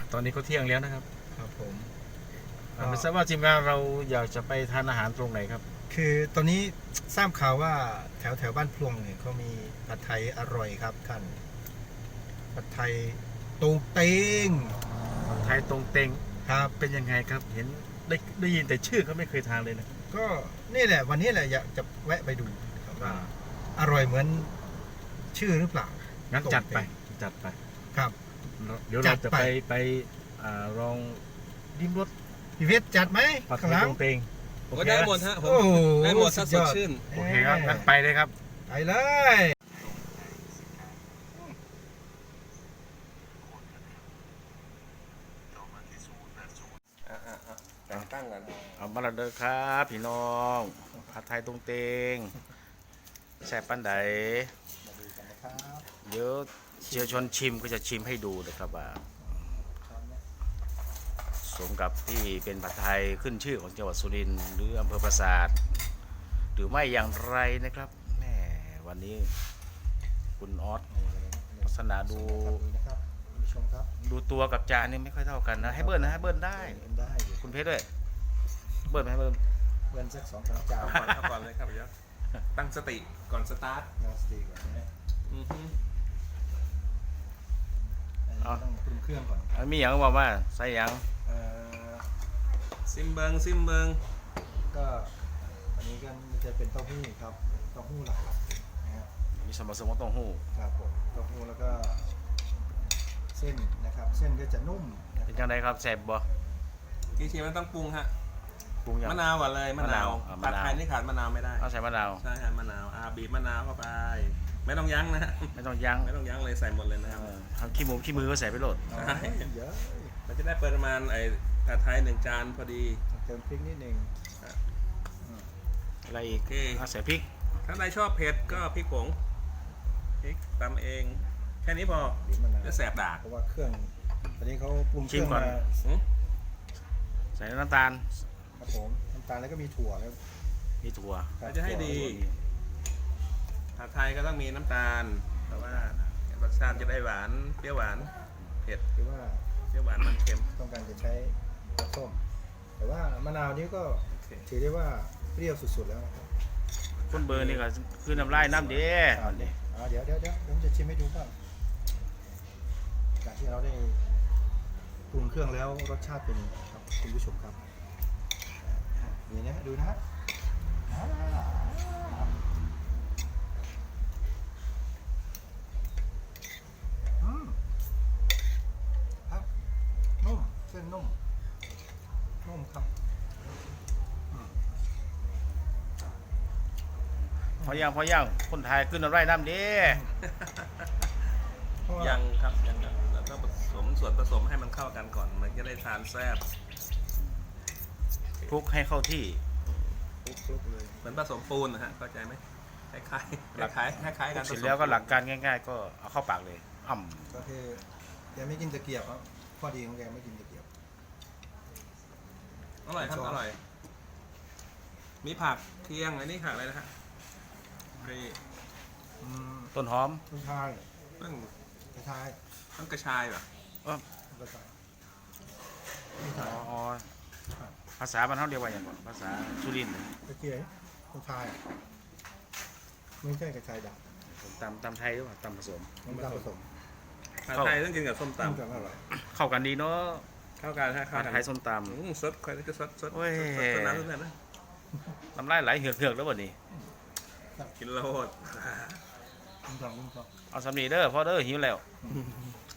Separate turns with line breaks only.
ตอนนี้ก็เที่ยงแล้วนะครับ
ครับผม
ไม่ทราบว่าทีมงานเราอยากจะไปทานอาหารตรงไหนครับ
คือตอนนี้ทราบข่าวว่าแถวบ้านพลวงเนี่ยเขามีผัดไทยอร่อยครับท่านผัดไทยตูเต็ง
ผัดไทยตรงเต็ง
ครับ
เป็นยังไงครับเห็นได้ยินแต่ชื่อก็ไม่เคยทานเลยนะ
ก็นี่แหละวันนี้แหละอยากจะแวะไปดูครับว่าอร่อยเหมือนชื่อหรือเปล่า
งั้นจัดไป
ครับ
เดี๋ยวเราจะไปลองดิ้มรส
พี่เวทจัดไหม
ผัดไทยตรงเต็ง
ก็ได้หมดฮะผมได้หมดสดชื่น
โอเคครับงั้นไปเลยครับ
ไปเลย
ตั้งกัน
เอามาละเด้อครับพี่น้องผัดไทยตรงเต็งแซ่บปันใดเดี๋ยวเชียวชนชิมก็จะชิมให้ดูนะครับว่าสมกับที่เป็นผัดไทยขึ้นชื่อของจังหวัดสุรินทร์หรืออำเภอปราสาทหรือไม่อย่างไรนะครับแม่วันนี้คุณออสลักษณะดูตัวกับจานนี่ไม่ค่อยเท่ากันนะให้เบิ้ลนะให้เบิ้ลได้คุณเพชรด้วยเบิ้ลไหมเบิ้ล
สัก2-3 จาน
ก่อนเลยครับเดี๋ยวตั้งสติก่อนสตาร์ท
ตั้งสติก่อนนะต้องปรุงเครื่องก่อน
มีอย่างบอกว่าใส่อย่าง
ซิมเบิง
ก็อันนี้ก็จะเป็นเต้าหู้ครับเต้าหู้หลักนะครับ
มีสมบัติสมบัติเต้าหู้
ครับผมเต้าหู้แล้วก็เส้นนะครับเส้นก็จะนุ่ม
เป็นยังไงครับแซ่บบ่
กี่ชิ้นมันต้องปรุงฮะ
ปรุงอย่าง
มะนาวก่อนเลยมะนาวผัดไทยนี่ขาดมะนาวไม่ได้
ต้องใส่มะนาว
ใช่ฮะมะนาวบีบมะนาวเข้าไปไม่ต้องยั้งนะ
ไม่ต้องยั้ง
เลยใส่หมดเลยนะครับ
ทำขี้มือก็ใส่ไปโหลด
ใช่เยอะมันจะได้ประมาณผัดไทย1 จานพอดี
เติมพริกนิดนึง
อะไรอีกใส่พริก
ถ้าใครชอบเผ็ดก็พริกผงพริกตำเองแค่นี้พอจะแสบดาก
เพราะว่าเครื่องตอนนี้เขาปรุงเครื่องมา
ใส่น้ำตาล
ครับผมน้ำตาลแล้วก็มีถั่วแล้ว
มีถั่ว
จะให้ดีผัดไทยก็ต้องมีน้ำตาลเพราะว่ารสชาติจะได้หวานเปรี้ยวหวานเผ็ด
คือว่า
เปรี้ยวหวานมันเค็ม
ต้องการจะใช้ส้มแต่ว่ามะนาวนี้ก็ถือได้ว่าเปรี้ยวสุดๆแล้วนะครับ
คนเบอร์นี่ก็คือน้ำลายน้ำเด้
เดี๋ยวผมจะชิมให้ดูก่อนจากที่เราได้ปรุงเครื่องแล้วรสชาติเป็นครับคุณผู้ชมครับนี่นะดูนะฮะครับนุ่มเส้นนุ่มครับ
พอย่างคนไทยขึ้นน้ำลายน้ำเด้
ยังครับแล้วก็ผสมส่วนผสมให้มันเข้ากันก่อนมันจะได้ทานแซ่บ
คลุกให้เข้าที่
คลุกเลยเหมือนผสมปูนนะฮะเข้าใจไหมคล้ายกัน
เสร็จแล้วก็หลักการง่ายๆก็เอาเข้าปากเลย
ก็คือแกไม่กินตะเกียบครับข้อดีของแกไม่กินตะเกียบ
อร่อยครับอร่อยมีผักเคียงอันนี้ผักอะไรนะฮะ
ต้นหอม
ต้นชาย
ต้น
กระชาย
กระชายป่ะ
กระชาย
ภาษาบ้านเขาเรียกว่าอย่างไรภาษาสุรินทร์
กระเจี๊ยบกระชายไม่ใช่กระชายด
ำตำไทยหรือเปล่าตำผสม
ไทยต้องกินกับส้มตำ
เข้ากันดีเนาะ
เข้ากัน
ไทยส้มต
ำสดใครก็สดน้ำนะ
น้ำลายไหลเหือกแล้วบ่นี่
กินโลด
เอาสำนีเด้อพ่อเด้อหิวแล้ว